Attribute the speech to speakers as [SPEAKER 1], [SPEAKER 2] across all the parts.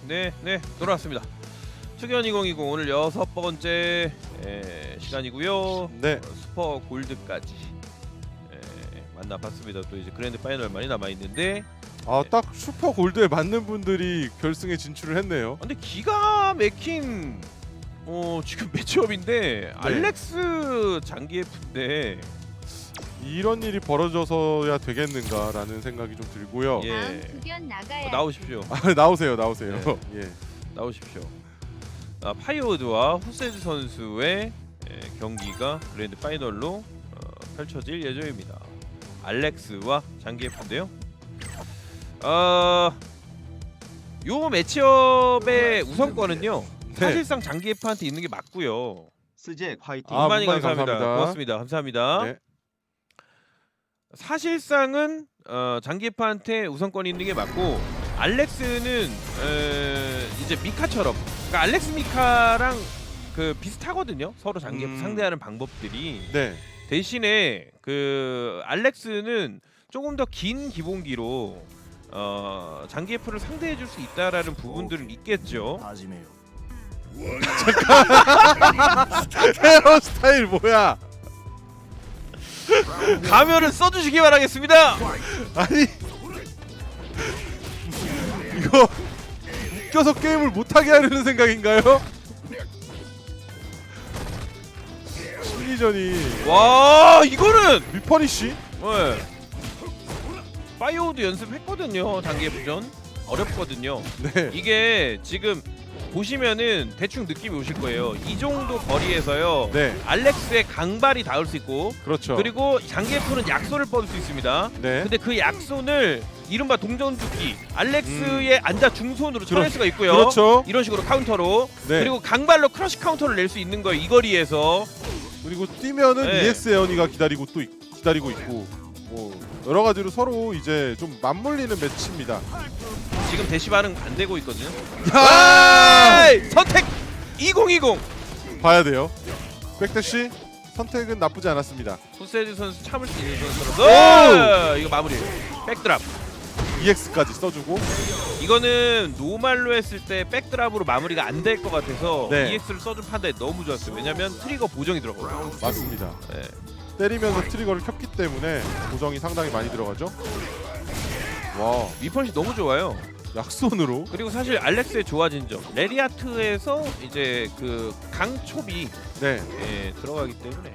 [SPEAKER 1] 네, 돌아왔습니다. 투견 2020 오늘 6번째 시간이고요.
[SPEAKER 2] 네.
[SPEAKER 1] 슈퍼 골드까지 만나봤습니다. 또 이제 그랜드 파이널 많이 남아 있는데,
[SPEAKER 2] 딱 슈퍼 골드에 맞는 분들이 결승에 진출을 했네요.
[SPEAKER 1] 근데 기가 막힌 지금 매치업인데 알렉스 장기예프인데
[SPEAKER 2] 이런 일이 벌어져서야 되겠는가라는 생각이 좀 들고요.
[SPEAKER 1] 예.
[SPEAKER 3] 다음 투견 나가야.
[SPEAKER 1] 나오십시오.
[SPEAKER 2] 나오세요.
[SPEAKER 1] 네.
[SPEAKER 2] 예.
[SPEAKER 1] 나오십시오. 파이오드와 후세즈 선수의 경기가 그랜드 파이널로 펼쳐질 예정입니다. 알렉스와 장기예프인데요. 요 매치업의 우선권은요. 사실상 장기예프한테 있는 게 맞고요.
[SPEAKER 4] 스잭 화이팅.
[SPEAKER 1] 많이
[SPEAKER 2] 문만이
[SPEAKER 1] 감사합니다. 고맙습니다. 감사합니다.
[SPEAKER 2] 네.
[SPEAKER 1] 사실상은 장기예프한테 우선권이 있는 게 맞고, 알렉스는 이제 미카처럼, 그러니까 알렉스 미카랑 그 비슷하거든요. 서로 장기예프 상대하는 방법들이.
[SPEAKER 2] 네.
[SPEAKER 1] 대신에 그 알렉스는 조금 더 긴 기본기로 장기예프를 상대해 줄 수 있다라는 부분들은 있겠죠.
[SPEAKER 2] 헤어스타일 뭐야?
[SPEAKER 1] 가면을 써주시기 바라겠습니다.
[SPEAKER 2] 아니 이거 웃겨서 게임을 못하게 하려는 생각인가요? 심리전이
[SPEAKER 1] 와, 이거는
[SPEAKER 2] 미퍼니쉬?
[SPEAKER 1] 네. 파이오드 연습했거든요. 장기예프전 어렵거든요.
[SPEAKER 2] 네.
[SPEAKER 1] 이게 지금 보시면은 대충 느낌이 오실 거예요. 이 정도 거리에서요.
[SPEAKER 2] 네.
[SPEAKER 1] 알렉스의 강발이 닿을 수 있고,
[SPEAKER 2] 그렇죠.
[SPEAKER 1] 그리고 장기예프는 약손을 뻗을 수 있습니다.
[SPEAKER 2] 네.
[SPEAKER 1] 근데 그 약손을 이른바 동전주기 알렉스의 앉아 중손으로 쳐낼 수가 있고요.
[SPEAKER 2] 그렇죠.
[SPEAKER 1] 이런 식으로 카운터로.
[SPEAKER 2] 네.
[SPEAKER 1] 그리고 강발로 크러쉬 카운터를 낼 수 있는 거예요. 이 거리에서.
[SPEAKER 2] 그리고 뛰면은
[SPEAKER 1] 네.
[SPEAKER 2] EX 에어니가 기다리고 있고 뭐 여러 가지로 서로 이제 좀 맞물리는 매치입니다.
[SPEAKER 1] 지금 대시 반응 안 되고 있거든요.
[SPEAKER 2] 야!
[SPEAKER 1] 에이! 선택 2020.
[SPEAKER 2] 봐야 돼요. 백대시 선택은 나쁘지 않았습니다.
[SPEAKER 1] 후세즈 선수 참을 수 있는 선수로서 이거 마무리. 백드랍.
[SPEAKER 2] EX까지 써주고.
[SPEAKER 1] 이거는 노말로 했을 때 백드랍으로 마무리가 안 될 것 같아서
[SPEAKER 2] 네.
[SPEAKER 1] EX를 써준 판단이 너무 좋았어요. 왜냐면 트리거 보정이 들어가거든요.
[SPEAKER 2] 맞습니다.
[SPEAKER 1] 네.
[SPEAKER 2] 때리면서 트리거를 켰기 때문에 고정이 상당히 많이 들어가죠. 와,
[SPEAKER 1] 위펀시 너무 좋아요.
[SPEAKER 2] 약손으로.
[SPEAKER 1] 그리고 사실 알렉스의 좋아진 점, 레리아트에서 이제 그 강촉이
[SPEAKER 2] 네.
[SPEAKER 1] 들어가기 때문에.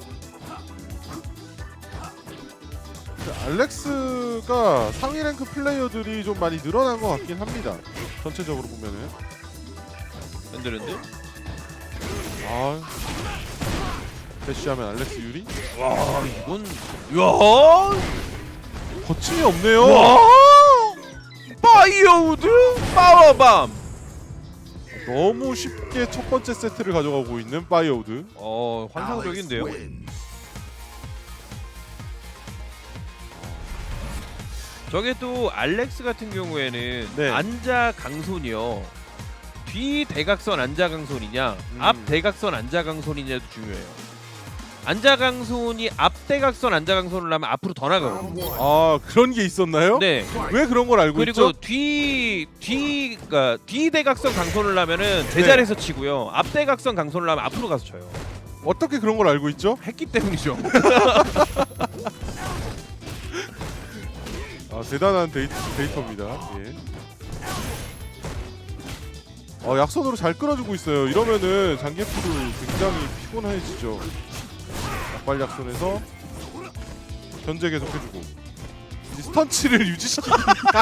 [SPEAKER 2] 알렉스가 상위 랭크 플레이어들이 좀 많이 늘어난 것 같긴 합니다. 전체적으로 보면은.
[SPEAKER 1] 흔들흔들.
[SPEAKER 2] 대시하면 알렉스 유리?
[SPEAKER 1] 와, 이건 야!
[SPEAKER 2] 거침이 없네요.
[SPEAKER 1] 와! 파이어우드 파워밤.
[SPEAKER 2] 너무 쉽게 첫 번째 세트를 가져가고 있는 파이어우드.
[SPEAKER 1] 환상적인데요. 저게 또 알렉스 같은 경우에는
[SPEAKER 2] 네.
[SPEAKER 1] 안자 강손이요. 뒤 대각선 안자 강손이냐, 앞 대각선 안자 강손이냐도 중요해요. 안자 강손이 앞 대각선 안자 강손을 하면 앞으로 더 나가거든요.
[SPEAKER 2] 그런 게 있었나요?
[SPEAKER 1] 네.
[SPEAKER 2] 왜 그런 걸 알고
[SPEAKER 1] 그리고
[SPEAKER 2] 있죠?
[SPEAKER 1] 그러니까 뒤 대각선 강손을 하면은 제자리에서 치고요. 앞 대각선 강손을 하면 앞으로 가서 쳐요.
[SPEAKER 2] 어떻게 그런 걸 알고 있죠?
[SPEAKER 1] 했기 때문이죠.
[SPEAKER 2] 대단한 데이터입니다. 예. 약손으로 잘 끌어주고 있어요. 이러면은 장기프도 굉장히 피곤해지죠. 약발 약손에서 견제 계속 해주고 스턴치를 유지시키기.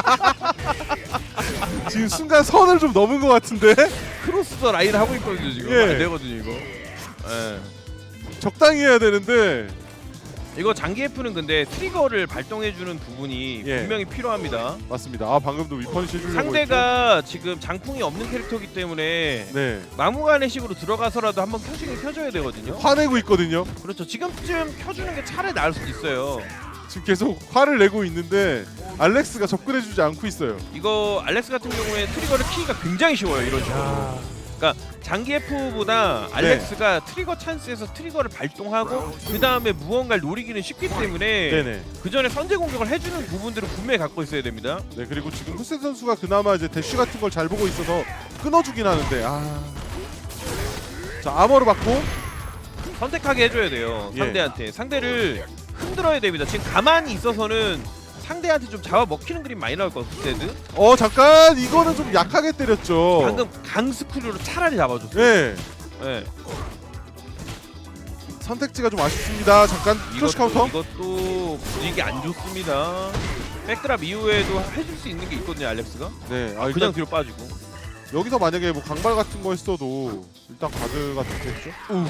[SPEAKER 2] 지금 순간 선을 좀 넘은 것 같은데.
[SPEAKER 1] 크로스 더 라인 하고 있거든요 지금.
[SPEAKER 2] 예.
[SPEAKER 1] 안 되거든요 이거. 예.
[SPEAKER 2] 적당히 해야 되는데.
[SPEAKER 1] 이거 장기예프는 근데 트리거를 발동해주는 부분이
[SPEAKER 2] 예.
[SPEAKER 1] 분명히 필요합니다.
[SPEAKER 2] 맞습니다. 방금도 위펀시 해주려고
[SPEAKER 1] 상대가 지금 장풍이 없는 캐릭터이기 때문에
[SPEAKER 2] 했죠? 네.
[SPEAKER 1] 마무간의 식으로 들어가서라도 한번 켜주긴 켜줘야 되거든요.
[SPEAKER 2] 화내고 있거든요.
[SPEAKER 1] 그렇죠. 지금쯤 켜주는 게 차라리 나을 수도 있어요.
[SPEAKER 2] 지금 계속 화를 내고 있는데 알렉스가 접근해주지 않고 있어요.
[SPEAKER 1] 이거 알렉스 같은 경우에 트리거를 키기가 굉장히 쉬워요. 이런 식으로. 그러니까 장기예프보다 알렉스가 트리거 찬스에서 트리거를 발동하고 그 다음에 무언가를 노리기는 쉽기 때문에
[SPEAKER 2] 네네.
[SPEAKER 1] 그 전에 선제 공격을 해주는 부분들을 분명히 갖고 있어야 됩니다.
[SPEAKER 2] 네, 그리고 지금 후세 선수가 그나마 이제 대쉬 같은 걸 잘 보고 있어서 끊어주긴 하는데 자 아머를 받고
[SPEAKER 1] 선택하게 해줘야 돼요.
[SPEAKER 2] 예.
[SPEAKER 1] 상대한테. 상대를 흔들어야 됩니다. 지금 가만히 있어서는 상대한테 좀 잡아먹히는 그림 많이 나올 것 같아요. 후세드.
[SPEAKER 2] 잠깐 이거는 좀 약하게 때렸죠.
[SPEAKER 1] 방금 강스크류로 차라리 잡아줬어요.
[SPEAKER 2] 네
[SPEAKER 1] 네.
[SPEAKER 2] 선택지가 좀 아쉽습니다. 잠깐 크로시 카운터.
[SPEAKER 1] 이것도 분위기 안 좋습니다. 백드랍 이후에도 해줄 수 있는 게 있거든요, 알렉스가.
[SPEAKER 2] 네
[SPEAKER 1] 그냥
[SPEAKER 2] 일단
[SPEAKER 1] 뒤로 빠지고.
[SPEAKER 2] 여기서 만약에 뭐 강발 같은 거 했어도 일단 가드가 좋겠죠.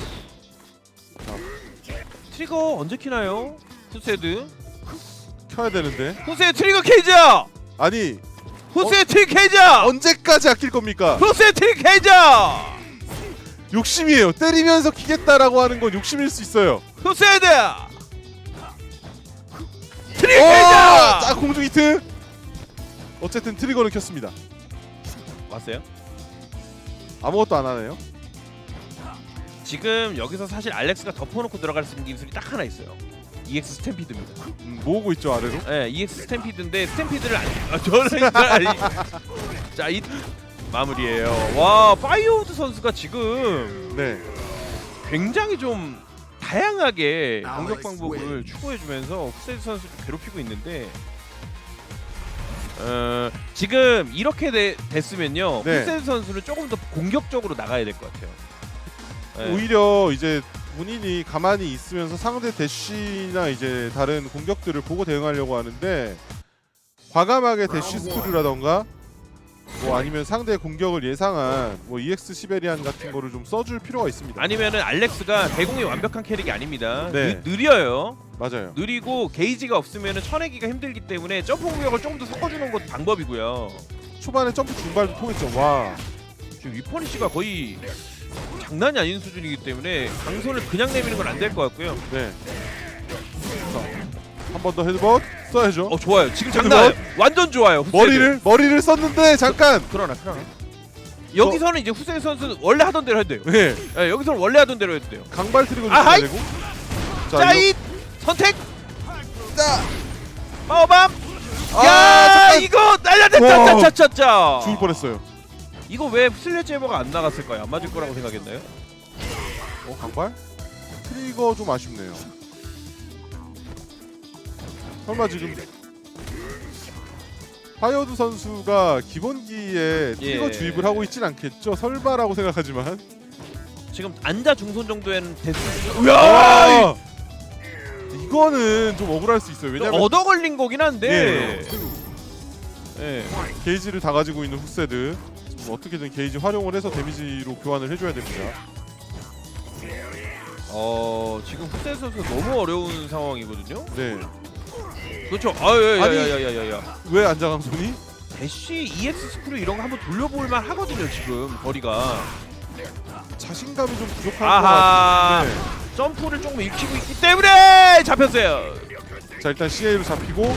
[SPEAKER 1] 트리거 언제 키나요? 후세드.
[SPEAKER 2] 켜야 되는데
[SPEAKER 1] 후세 트리거 케이저!
[SPEAKER 2] 아니
[SPEAKER 1] 후세 트리거 케이저!
[SPEAKER 2] 언제까지 아낄 겁니까?
[SPEAKER 1] 후세 트리거 케이저!
[SPEAKER 2] 욕심이에요. 때리면서 키겠다라고 하는 건 욕심일 수 있어요.
[SPEAKER 1] 후세드! 트리거 케이저!
[SPEAKER 2] 자 공중 히트. 어쨌든 트리거는 켰습니다.
[SPEAKER 1] 왔어요?
[SPEAKER 2] 아무것도 안 하네요.
[SPEAKER 1] 지금 여기서 사실 알렉스가 덮어놓고 들어갈 수 있는 기술이 딱 하나 있어요. EX 스탬피드입니다.
[SPEAKER 2] 모으고 있죠 아래로.
[SPEAKER 1] 네, EX 스탬피드인데 스탬피드를 저는 자, 이 마무리예요. 와, 파이어우드 선수가 지금
[SPEAKER 2] 네.
[SPEAKER 1] 굉장히 좀 다양하게 공격 방법을 추구해주면서 후세드 선수를 괴롭히고 있는데 지금 이렇게 됐으면요.
[SPEAKER 2] 네.
[SPEAKER 1] 후세드 선수는 조금 더 공격적으로 나가야 될 것 같아요. 네.
[SPEAKER 2] 오히려 이제 본인이 가만히 있으면서 상대 대쉬나 이제 다른 공격들을 보고 대응하려고 하는데 과감하게 대쉬 스크류라던가 뭐 아니면 상대의 공격을 예상한 뭐 EX 시베리안 같은 거를 좀 써줄 필요가 있습니다.
[SPEAKER 1] 아니면은 알렉스가 대공이 완벽한 캐릭이 아닙니다.
[SPEAKER 2] 네.
[SPEAKER 1] 느려요.
[SPEAKER 2] 맞아요.
[SPEAKER 1] 느리고 게이지가 없으면은 쳐내기가 힘들기 때문에 점프 공격을 조금 더 섞어주는 것도 방법이고요.
[SPEAKER 2] 초반에 점프 중발도 통했죠. 와.
[SPEAKER 1] 지금 위퍼니시가 거의 장난이 아닌 수준이기 때문에 강손을 그냥 내미는 건 안 될 것 같고요.
[SPEAKER 2] 네. 한 번 더 헤드벗 써야죠.
[SPEAKER 1] 좋아요. 지금 장난 아니에요. 완전 좋아요. 후세드.
[SPEAKER 2] 머리를 썼는데 잠깐.
[SPEAKER 1] 그러나. 여기서는 이제 후세드 선수는 원래 하던 대로 해도 돼요.
[SPEAKER 2] 네.
[SPEAKER 1] 네, 여기서는 원래 하던 대로 해도 돼요.
[SPEAKER 2] 강발 트리거 좀
[SPEAKER 1] 아하이!
[SPEAKER 2] 써야 되고.
[SPEAKER 1] 짜잇! 선택!
[SPEAKER 2] 자.
[SPEAKER 1] 마오밤! 야,
[SPEAKER 2] 잠깐.
[SPEAKER 1] 이거 날려댔다. 짜짜짜짜.
[SPEAKER 2] 죽을 뻔했어요.
[SPEAKER 1] 이거 왜 슬래지해머가 안 나갔을까요? 안 맞을 거라고 생각했나요?
[SPEAKER 2] 강발? 트리거 좀 아쉽네요. 설마 지금 파이어드 선수가 기본기에 트리거
[SPEAKER 1] 예.
[SPEAKER 2] 주입을 하고 있진 않겠죠? 설마라고 생각하지만.
[SPEAKER 1] 지금 앉아 중손 정도에는 됐을
[SPEAKER 2] 아! 이거는 좀 억울할 수 있어요. 왜냐면
[SPEAKER 1] 얻어 걸린 거긴 한데. 예.
[SPEAKER 2] 게이지를 다 가지고 있는 후세드 좀 어떻게든 게이지 활용을 해서 데미지로 교환을 해줘야 됩니다.
[SPEAKER 1] 지금 후세 선수 너무 어려운 상황이거든요.
[SPEAKER 2] 네.
[SPEAKER 1] 그렇죠.
[SPEAKER 2] 아니.
[SPEAKER 1] 야야야야야.
[SPEAKER 2] 왜 안장강손이?
[SPEAKER 1] 대쉬 EX 스크류 이런 거 한번 돌려볼 만 하거든요. 지금 거리가.
[SPEAKER 2] 자신감이 좀 부족한
[SPEAKER 1] 아하.
[SPEAKER 2] 것 같은데.
[SPEAKER 1] 점프를 조금 익히고 있기 때문에 잡혔어요.
[SPEAKER 2] 자 일단 CA로 잡히고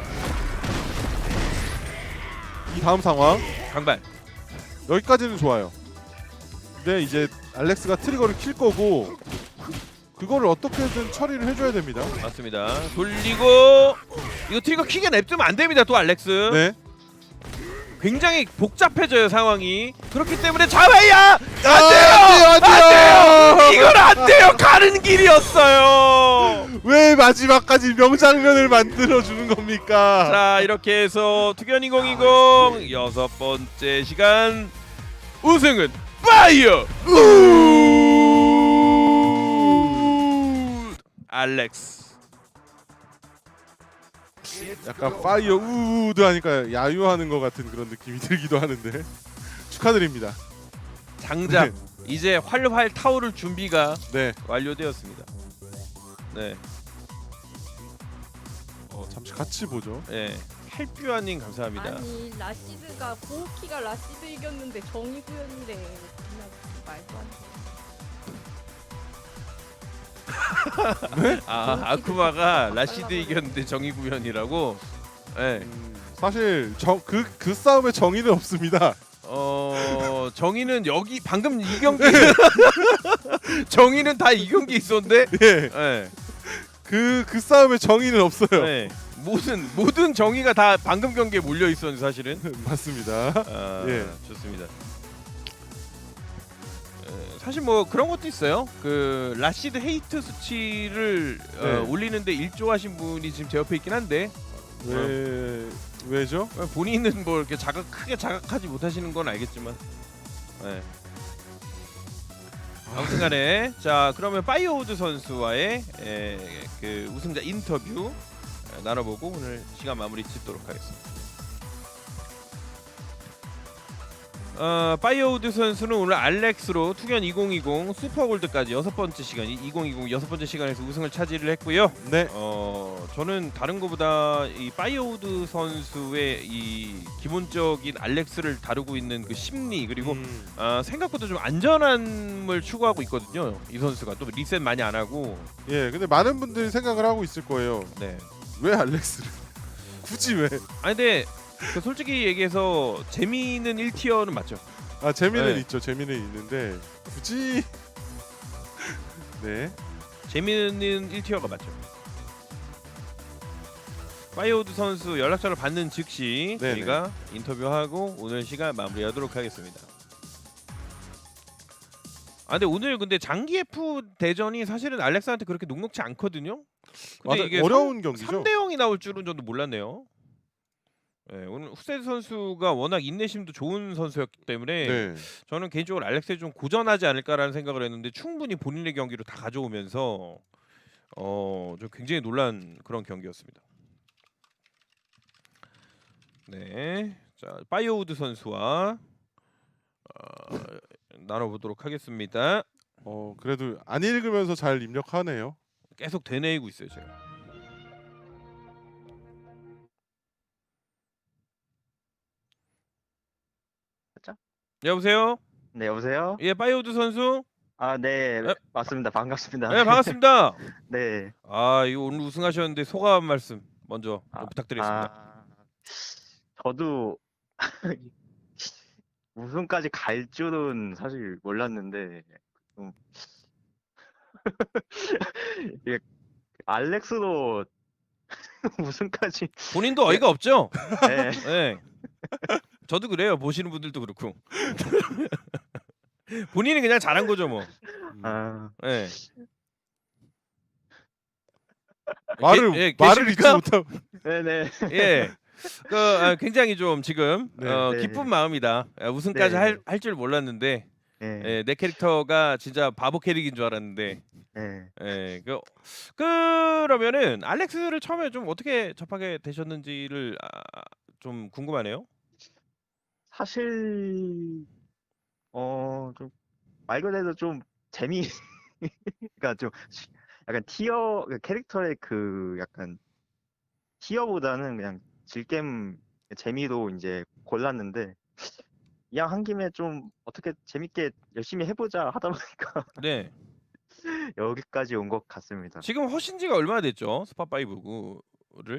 [SPEAKER 2] 이 다음 상황
[SPEAKER 1] 강발.
[SPEAKER 2] 여기까지는 좋아요. 근데 이제 알렉스가 트리거를 킬 거고 그거를 어떻게든 처리를 해줘야 됩니다.
[SPEAKER 1] 맞습니다. 돌리고 이거 트리거 킥에 냅두면 안 됩니다. 또 알렉스.
[SPEAKER 2] 네.
[SPEAKER 1] 굉장히 복잡해져요 상황이. 그렇기 때문에 잡아야
[SPEAKER 2] 안 돼요.
[SPEAKER 1] 이건 안 돼요. 가는 길이었어요.
[SPEAKER 2] 왜 마지막까지 명장면을 만들어 주는 겁니까?
[SPEAKER 1] 자 이렇게 해서 투견 2020 여섯 번째 시간 우승은 파이어 알렉스.
[SPEAKER 2] 약간 파이어 우드 하니까 야유하는 것 같은 그런 느낌이 들기도 하는데 축하드립니다.
[SPEAKER 1] 장작 이제 활활 타오를 준비가
[SPEAKER 2] 네.
[SPEAKER 1] 완료되었습니다. 네,
[SPEAKER 2] 잠시 같이 보죠.
[SPEAKER 1] 네. 할뷰아님 감사합니다.
[SPEAKER 3] 아니 라시드가 고우키가 라시드 이겼는데 정의구현이래. 그냥 말도 안 돼.
[SPEAKER 1] 아쿠마가 라시드 이겼는데 정의구현이라고. 네.
[SPEAKER 2] 사실 그 싸움에 정의는 없습니다.
[SPEAKER 1] 정의는 여기 방금 이 경기 정의는 다 이 경기 있었는데.
[SPEAKER 2] 예.
[SPEAKER 1] 네.
[SPEAKER 2] 그 싸움에 정의는 없어요.
[SPEAKER 1] 네. 모든 정의가 다 방금 경기에 몰려 있었는데 사실은.
[SPEAKER 2] 맞습니다. 예.
[SPEAKER 1] 좋습니다. 사실 뭐 그런 것도 있어요. 그 라시드 헤이트 수치를
[SPEAKER 2] 네.
[SPEAKER 1] 올리는데 일조하신 분이 지금 제 옆에 있긴 한데
[SPEAKER 2] 왜죠?
[SPEAKER 1] 본인은 뭐 이렇게 크게 자각하지 못하시는 건 알겠지만. 네. 아무튼간에 자 그러면 파이어우드 선수와의 그 우승자 인터뷰 나눠보고 오늘 시간 마무리 짓도록 하겠습니다. 파이어우드 선수는 오늘 알렉스로 투견 2020 슈퍼골드까지 6번째 시간 2020 6번째 시간에서 우승을 차지를 했고요.
[SPEAKER 2] 네.
[SPEAKER 1] 저는 다른 것보다 이 파이어우드 선수의 이 기본적인 알렉스를 다루고 있는 그 심리 그리고 생각보다 좀 안전함을 추구하고 있거든요. 이 선수가 또 리셋 많이 안 하고.
[SPEAKER 2] 예, 근데 많은 분들이 생각을 하고 있을 거예요.
[SPEAKER 1] 네.
[SPEAKER 2] 왜 알렉스를? 굳이 왜?
[SPEAKER 1] 아니 근데 그 솔직히 얘기해서 재미있는 1티어는 맞죠.
[SPEAKER 2] 아 재미는
[SPEAKER 1] 네.
[SPEAKER 2] 있죠. 재미는 있는데 굳이 네.
[SPEAKER 1] 재미있는 1티어가 맞죠. 파이어우드 선수 연락처를 받는 즉시
[SPEAKER 2] 네네.
[SPEAKER 1] 저희가 인터뷰하고 오늘 시간 마무리하도록 하겠습니다. 근데 오늘 근데 장기 F 대전이 사실은 알렉스한테 그렇게 녹록지 않거든요. 근데
[SPEAKER 2] 맞아,
[SPEAKER 1] 이게
[SPEAKER 2] 어려운 경기죠.
[SPEAKER 1] 3대 0이 나올 줄은 저도 몰랐네요. 네, 오늘 후세드 선수가 워낙 인내심도 좋은 선수였기 때문에
[SPEAKER 2] 네.
[SPEAKER 1] 저는 개인적으로 알렉스에 좀 고전하지 않을까라는 생각을 했는데 충분히 본인의 경기로 다 가져오면서 좀 굉장히 놀란 그런 경기였습니다. 네, 자 파이어우드 선수와 나눠보도록 하겠습니다.
[SPEAKER 2] 그래도 안 읽으면서 잘 입력하네요.
[SPEAKER 1] 계속 되뇌이고 있어요 제가. 여보세요?
[SPEAKER 4] 네, 여보세요?
[SPEAKER 1] 예, 파이어우드 선수.
[SPEAKER 4] 네,
[SPEAKER 1] 에?
[SPEAKER 4] 맞습니다. 반갑습니다.
[SPEAKER 1] 네, 반갑습니다.
[SPEAKER 4] 네.
[SPEAKER 1] 이거 오늘 우승하셨는데 소감 한 말씀 먼저 좀 부탁드리겠습니다.
[SPEAKER 4] 저도 우승까지 갈 줄은 사실 몰랐는데 좀 이게 알렉스도 우승까지
[SPEAKER 1] 본인도 어이가 없죠?
[SPEAKER 4] 네.
[SPEAKER 1] 네. 저도 그래요. 보시는 분들도 그렇고. 본인이 그냥 잘한 거죠 뭐.
[SPEAKER 4] 아,
[SPEAKER 1] 네.
[SPEAKER 2] 말을
[SPEAKER 1] 계십니까?
[SPEAKER 2] 잊지 못하고.
[SPEAKER 4] 네네.
[SPEAKER 1] 예. 굉장히 좀 지금
[SPEAKER 2] 네.
[SPEAKER 4] 네.
[SPEAKER 1] 기쁜 마음이다. 우승까지
[SPEAKER 4] 네.
[SPEAKER 1] 할 줄 몰랐는데
[SPEAKER 4] 네.
[SPEAKER 1] 내 캐릭터가 진짜 바보 캐릭인 줄 알았는데.
[SPEAKER 4] 네.
[SPEAKER 1] 예. 그러면은 알렉스를 처음에 좀 어떻게 접하게 되셨는지를 좀 궁금하네요.
[SPEAKER 4] 사실 좀 말 그대로 좀 그러니까 좀 약간 티어 캐릭터의 그 약간 티어보다는 그냥 질겜 재미로 이제 골랐는데 그냥 한 김에 좀 어떻게 재밌게 열심히 해보자 하다 보니까
[SPEAKER 1] 네.
[SPEAKER 4] 여기까지 온 것 같습니다.
[SPEAKER 1] 지금 허신 지가 얼마나 됐죠? 스파 5를?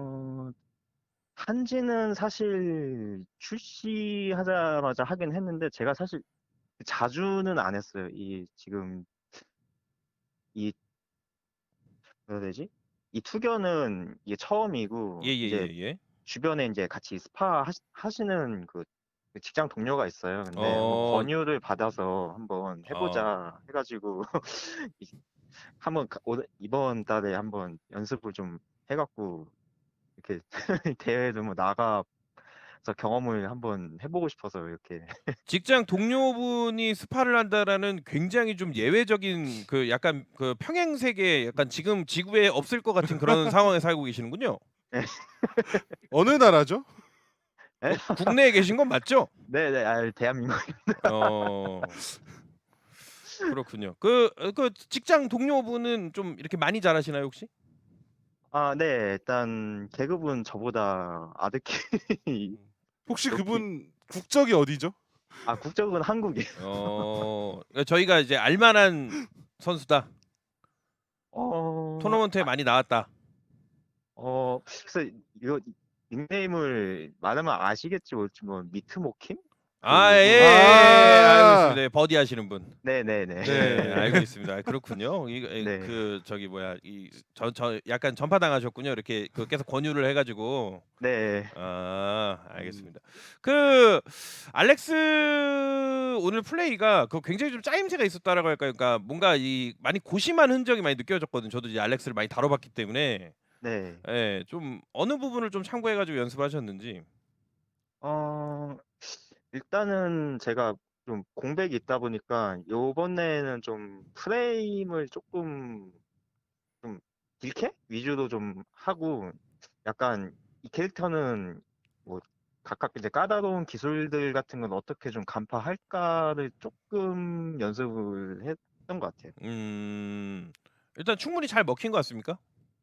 [SPEAKER 4] 한지는 사실 출시하자마자 하긴 했는데 제가 사실 자주는 안 했어요. 이 지금 이 뭐라 해야 되지? 이 투견은 이게 처음이고 이제
[SPEAKER 1] 예.
[SPEAKER 4] 주변에 이제 같이 스파 하시는 그 직장 동료가 있어요. 근데 한번
[SPEAKER 1] 어.
[SPEAKER 4] 권유를 받아서 한번 해보자 해가지고 이번 달에 한번 연습을 좀 해갖고 이렇게 대회도 뭐 나가서 경험을 한번 해보고 싶어서 이렇게.
[SPEAKER 1] 직장 동료분이 스파를 한다라는 굉장히 좀 예외적인 그 약간 그 평행 세계 약간 지금 지구에 없을 것 같은 그런 상황에 살고 계시는군요.
[SPEAKER 2] 어느 나라죠?
[SPEAKER 1] 국내에 계신 건 맞죠?
[SPEAKER 4] 네네, 대한민국.
[SPEAKER 1] 그렇군요. 그 직장 동료분은 좀 이렇게 많이 잘하시나요 혹시?
[SPEAKER 4] 네, 일단 계급은 저보다 아득히.
[SPEAKER 2] 혹시
[SPEAKER 4] 그렇게-
[SPEAKER 2] 그분 국적이 어디죠?
[SPEAKER 4] 국적은 한국이에요.
[SPEAKER 1] 저희가 이제 알만한 선수다.
[SPEAKER 4] 어,
[SPEAKER 1] 토너먼트에 많이 나왔다.
[SPEAKER 4] 그래서 이거 닉네임을 말하면 아시겠지, 뭐 미트모킴?
[SPEAKER 1] 알고 있습니다. 버디 하시는 분.
[SPEAKER 4] 네네네.
[SPEAKER 1] 네, 알고 있습니다. 그렇군요.
[SPEAKER 4] 네.
[SPEAKER 1] 그 저기 뭐야 저 약간 전파 당하셨군요. 이렇게 그 계속 권유를 해가지고.
[SPEAKER 4] 네.
[SPEAKER 1] 알겠습니다. 그 알렉스 오늘 플레이가 그 굉장히 좀 짜임새가 있었다라고 할까요? 그러니까 뭔가 이 많이 고심한 흔적이 많이 느껴졌거든요. 저도 이제 알렉스를 많이 다뤄봤기 때문에.
[SPEAKER 4] 네.
[SPEAKER 1] 예, 좀 어느 부분을 좀 참고해가지고 연습을 하셨는지.
[SPEAKER 4] 어 일단은 제가 좀 공백이 있다 보니까 요번에는 좀 프레임을 조금 좀 딜캐 위주로 좀 하고 약간 이 캐릭터는 뭐 각각 이제 까다로운 기술들 같은 건 어떻게 좀 간파할까를 조금 연습을 했던 것 같아요.
[SPEAKER 1] 일단 충분히 잘 먹힌 것 같습니까?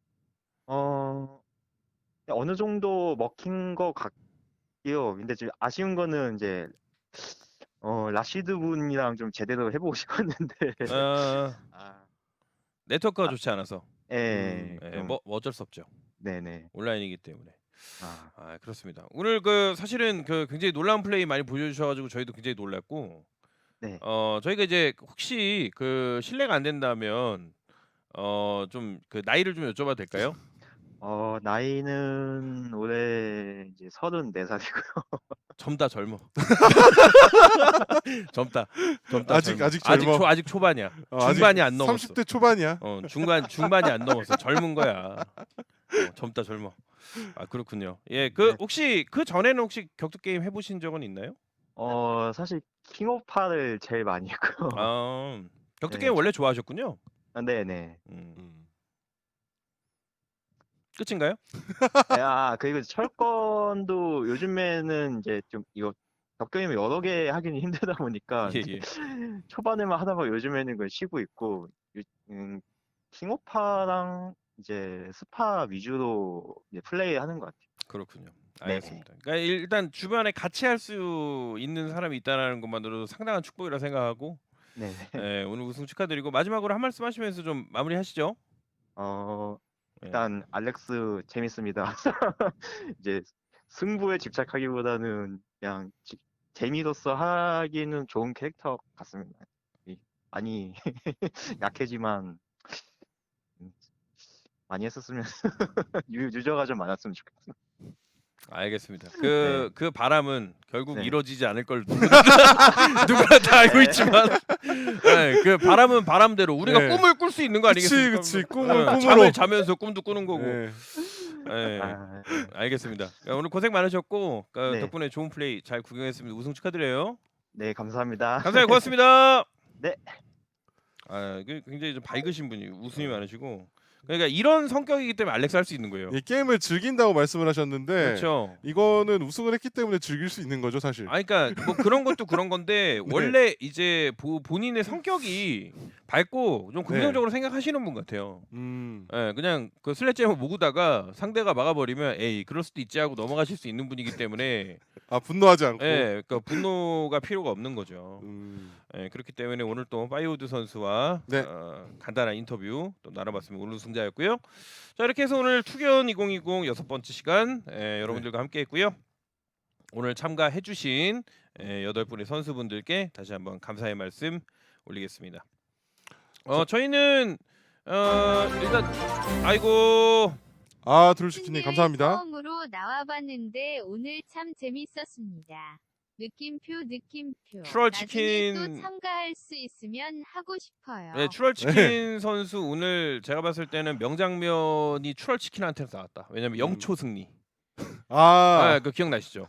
[SPEAKER 4] 어 어느 정도 먹힌 것 같고요. 근데 지금 아쉬운 거는 이제 라시드 분이랑 좀 제대로 해보고 싶었는데
[SPEAKER 1] 어,
[SPEAKER 4] 아,
[SPEAKER 1] 네트워크가
[SPEAKER 4] 아,
[SPEAKER 1] 좋지 않아서.
[SPEAKER 4] 예,
[SPEAKER 1] 예,
[SPEAKER 4] 좀
[SPEAKER 1] 뭐 어쩔 수 없죠.
[SPEAKER 4] 네네.
[SPEAKER 1] 온라인이기 때문에.
[SPEAKER 4] 아,
[SPEAKER 1] 그렇습니다. 오늘 그 사실은 그 굉장히 놀라운 플레이 많이 보여주셔가지고 저희도 굉장히 놀랐고,
[SPEAKER 4] 네.
[SPEAKER 1] 저희가 이제 혹시 그 실례가 안 된다면 좀 그 나이를 좀 여쭤봐도 될까요?
[SPEAKER 4] 나이는 올해 이제 34살이고요.
[SPEAKER 1] 젊어. 젊다.
[SPEAKER 2] 아직
[SPEAKER 1] 젊어.
[SPEAKER 2] 아직 젊어.
[SPEAKER 1] 아직 초반이야.
[SPEAKER 2] 아직
[SPEAKER 1] 중반이 안 넘었어.
[SPEAKER 2] 30대 초반이야.
[SPEAKER 1] 중반이 안 넘었어. 젊은 거야. 젊다 젊어. 그렇군요. 예, 그
[SPEAKER 4] 네.
[SPEAKER 1] 혹시 그 전에는 혹시 격투 게임 해보신 적은 있나요?
[SPEAKER 4] 사실 킹오파를 제일 많이 했고요.
[SPEAKER 1] 격투
[SPEAKER 4] 네,
[SPEAKER 1] 게임 원래 좋아하셨군요.
[SPEAKER 4] 네네.
[SPEAKER 1] 끝인가요?
[SPEAKER 4] 그리고 철권도 요즘에는 이제 좀 이거 격게임을 여러 개 하기는 힘들다 보니까
[SPEAKER 1] 예, 예.
[SPEAKER 4] 초반에만 하다가 요즘에는 그걸 쉬고 있고 킹오파랑 이제 스파 위주로 이제 플레이하는 것 같아요.
[SPEAKER 1] 그렇군요.
[SPEAKER 4] 네,
[SPEAKER 1] 알겠습니다. 그러니까 일단 주변에 같이 할 수 있는 사람이 있다는 것만으로도 상당한 축복이라 생각하고,
[SPEAKER 4] 네.
[SPEAKER 1] 예, 오늘 우승 축하드리고 마지막으로 한 말씀 하시면서 좀 마무리하시죠. 예.
[SPEAKER 4] 일단 알렉스 재밌습니다. 이제 승부에 집착하기보다는 그냥 재미로서 하기는 좋은 캐릭터 같습니다. 많이 약해지만 음, 많이 했었으면 유저가 좀 많았으면 좋겠어요.
[SPEAKER 1] 알겠습니다.
[SPEAKER 4] 네.
[SPEAKER 1] 그 바람은 결국
[SPEAKER 4] 네.
[SPEAKER 1] 이루어지지 않을 걸 누구나 다 알고 있지만, 예, 그 바람은 바람대로 우리가
[SPEAKER 2] 네.
[SPEAKER 1] 꿈을 꿀 수 있는 거 아니겠습니까?
[SPEAKER 2] 그치. 꿈을
[SPEAKER 1] 예,
[SPEAKER 2] 꿈으로.
[SPEAKER 1] 잠을 자면서 꿈도 꾸는 거고.
[SPEAKER 2] 네.
[SPEAKER 1] 예,
[SPEAKER 4] 아,
[SPEAKER 1] 알겠습니다. 오늘 고생 많으셨고
[SPEAKER 4] 네.
[SPEAKER 1] 덕분에 좋은 플레이 잘 구경했습니다. 우승 축하드려요.
[SPEAKER 4] 네, 감사합니다.
[SPEAKER 1] 감사해요. 고맙습니다.
[SPEAKER 4] 네.
[SPEAKER 1] 굉장히 좀 밝으신 분이 웃음이 많으시고, 그러니까 이런 성격이기 때문에 알렉스 할 수 있는 거예요.
[SPEAKER 2] 이 게임을 즐긴다고 말씀을 하셨는데
[SPEAKER 1] 그렇죠.
[SPEAKER 2] 이거는 우승을 했기 때문에 즐길 수 있는 거죠, 사실.
[SPEAKER 1] 그러니까 뭐 그런 것도 그런 건데
[SPEAKER 2] 네.
[SPEAKER 1] 원래 이제 본인의 성격이 밝고 좀 긍정적으로 생각하시는 분 같아요. 예, 그냥 그 슬래지햄을 모으다가 상대가 막아버리면 에이 그럴 수도 있지 하고 넘어가실 수 있는 분이기 때문에
[SPEAKER 2] 분노하지 않고.
[SPEAKER 1] 예, 그러니까 분노가 필요가 없는 거죠.
[SPEAKER 2] 음.
[SPEAKER 1] 예, 그렇기 때문에 오늘 또 파이오드 선수와
[SPEAKER 2] 네.
[SPEAKER 1] 간단한 인터뷰 또 나눠봤습니다. 오늘 우승자였고요. 자, 이렇게 해서 오늘 투견 2020 6번째 시간 여러분들과 함께했고요. 오늘 참가해주신 8분의 선수분들께 다시 한번 감사의 말씀 올리겠습니다. 저희는 일단 아이고
[SPEAKER 2] 드루시키님 감사합니다.
[SPEAKER 5] 처음으로 나와봤는데 오늘 참 재밌었습니다. 느낌표.
[SPEAKER 1] 추럴
[SPEAKER 5] 나중에
[SPEAKER 1] 치킨
[SPEAKER 5] 또 참가할 수 있으면 하고 싶어요.
[SPEAKER 1] 네, 추럴치킨 선수 오늘 제가 봤을 때는 명장면이 추럴치킨한테서 나왔다. 왜냐면 0초 승리. 그 기억나시죠?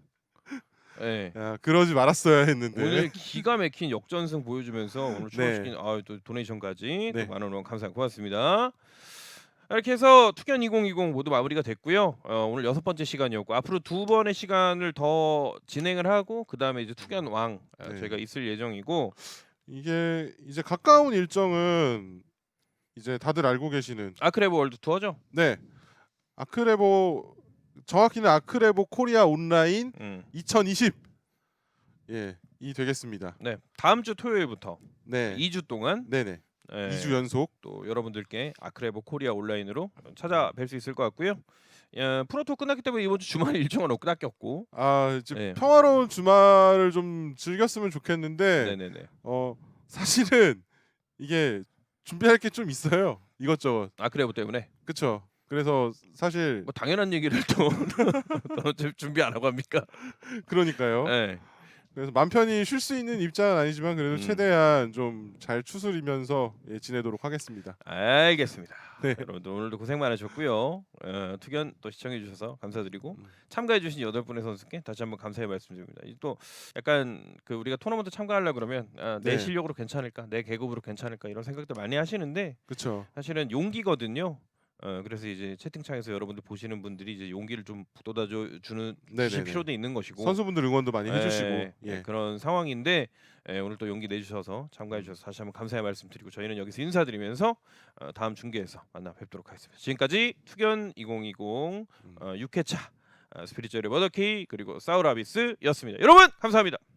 [SPEAKER 1] 네.
[SPEAKER 2] 야, 그러지 말았어야 했는데.
[SPEAKER 1] 오늘 기가 막힌 역전승 보여주면서 오늘 추럴치킨
[SPEAKER 2] 네.
[SPEAKER 1] 또 도네이션까지
[SPEAKER 2] 네.
[SPEAKER 1] 또 많은 응원 감사합니다. 고맙습니다. 이렇게 해서 투견 2020 모두 마무리가 됐고요. 오늘 6번째 시간이었고 앞으로 2번의 시간을 더 진행을 하고 그 다음에 이제 투견 왕
[SPEAKER 2] 네.
[SPEAKER 1] 저희가 있을 예정이고
[SPEAKER 2] 이게 이제 가까운 일정은 이제 다들 알고 계시는
[SPEAKER 1] 아크레브 월드 투어죠.
[SPEAKER 2] 네. 아크레보 정확히는 아크레보 코리아 온라인 2020 이 되겠습니다.
[SPEAKER 1] 네, 다음 주 토요일부터
[SPEAKER 2] 네.
[SPEAKER 1] 2주 동안
[SPEAKER 2] 네네. 2주 연속
[SPEAKER 1] 또 여러분들께 아크레보 코리아 온라인으로 찾아뵐 수 있을 것 같고요. 프로토 끝났기 때문에 이번 주 주말 일정은 낚였고.
[SPEAKER 2] 아 이제
[SPEAKER 1] 네.
[SPEAKER 2] 평화로운 주말을 좀 즐겼으면 좋겠는데
[SPEAKER 1] 네네네.
[SPEAKER 2] 사실은 이게 준비할 게 좀 있어요. 이것저것.
[SPEAKER 1] 아크레브 때문에.
[SPEAKER 2] 그쵸. 그래서 사실
[SPEAKER 1] 뭐 당연한 얘기를 또 준비 안 하고 합니까?
[SPEAKER 2] 그러니까요.
[SPEAKER 1] 네.
[SPEAKER 2] 그래서 맘 편히 쉴 수 있는 입장은 아니지만 그래도
[SPEAKER 1] 음.
[SPEAKER 2] 최대한 좀 잘 추스리면서 지내도록 하겠습니다.
[SPEAKER 1] 알겠습니다.
[SPEAKER 2] 네.
[SPEAKER 1] 여러분들 오늘도 고생 많으셨고요. 투견 또 시청해 주셔서 감사드리고
[SPEAKER 2] 음.
[SPEAKER 1] 참가해 주신 8분의 선수께 다시 한번 감사의 말씀드립니다. 또 약간 그 우리가 토너먼트 참가하려 그러면 내
[SPEAKER 2] 네.
[SPEAKER 1] 실력으로 괜찮을까, 내 계급으로 괜찮을까 이런 생각들 많이 하시는데
[SPEAKER 2] 그렇죠.
[SPEAKER 1] 사실은 용기거든요. 그래서 이제 채팅창에서 여러분들 보시는 분들이 이제 용기를 좀 북돋아 주실
[SPEAKER 2] 네네네.
[SPEAKER 1] 필요도 있는 것이고
[SPEAKER 2] 선수분들 응원도 많이 해주시고
[SPEAKER 1] 그런 상황인데 오늘 또 용기 내주셔서 참가해 주셔서 다시 한번 감사의 말씀드리고 저희는 여기서 인사드리면서 다음 중계에서 만나 뵙도록 하겠습니다. 지금까지 투견 2020 6회차 스피리추얼의 머더키 그리고 사우라비스였습니다. 여러분 감사합니다.